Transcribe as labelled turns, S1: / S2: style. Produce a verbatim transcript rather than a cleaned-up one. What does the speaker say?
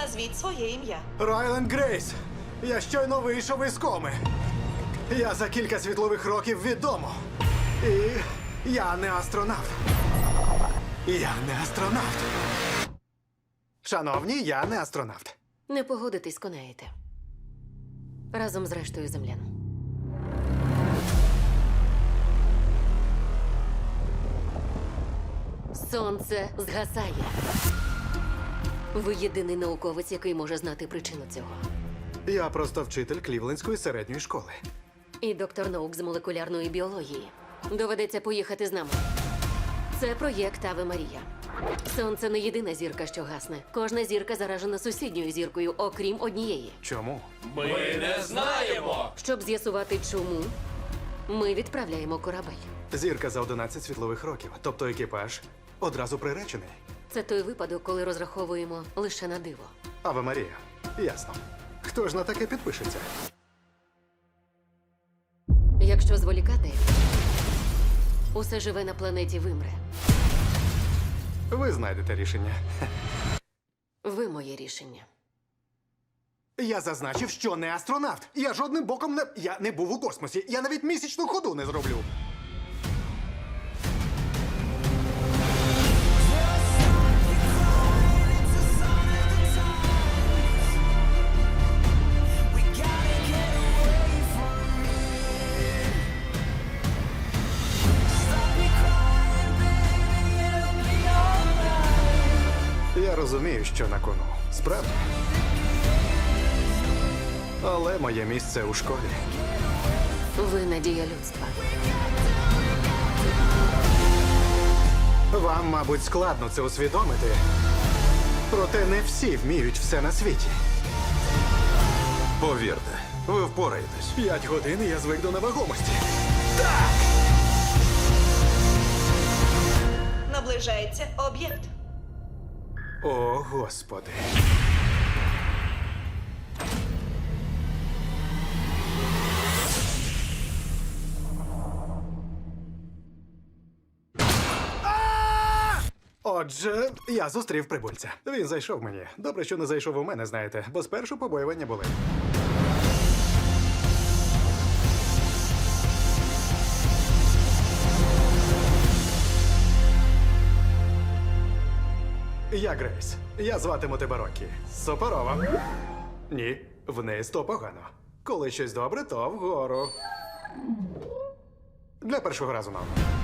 S1: Назвіть своє ім'я.
S2: Райленд Грейс, я щойно вийшов із коми. Я за кілька світлових років відомо. І я не астронавт. Я не астронавт. Шановні, я не астронавт.
S3: Не погодитись, конаєте. Разом з рештою землян. Сонце згасає. Ви єдиний науковець, який може знати причину цього.
S2: Я просто вчитель Клівлендської середньої школи.
S3: І доктор наук з молекулярної біології. Доведеться поїхати з нами. Це проєкт Аве Марія. Сонце не єдина зірка, що гасне. Кожна зірка заражена сусідньою зіркою, окрім однієї.
S2: Чому?
S4: Ми не знаємо!
S3: Щоб з'ясувати, чому, ми відправляємо корабель.
S2: Зірка за одинадцять світлових років, тобто екіпаж одразу приречений.
S3: Це той випадок, коли розраховуємо лише на диво.
S2: Аве Марія. Ясно. Хто ж на таке підпишеться?
S3: Якщо зволікати, усе живе на планеті вимре.
S2: Ви знайдете рішення.
S3: Ви моє рішення.
S2: Я зазначив, що не астронавт. Я жодним боком не. Я не був у космосі. Я навіть місячну ходу не зроблю. Я розумію, що на кону. Справді. Але моє місце у школі.
S3: Ви надія людства.
S2: Вам, мабуть, складно це усвідомити. Проте не всі вміють все на світі.
S4: Повірте, ви впораєтесь.
S2: П'ять годин і я звик до невагомості.
S1: Наближається об'єкт.
S2: О, Господи. А! Отже, я зустрів прибульця. Він зайшов мені. Добре, що не зайшов у мене, знаєте, бо спершу побоювання були. Я Грейс. Я зватиму тебе Рокі. Суперова. Ні, вниз то погано. Коли щось добре, то вгору. Для першого разу, мам.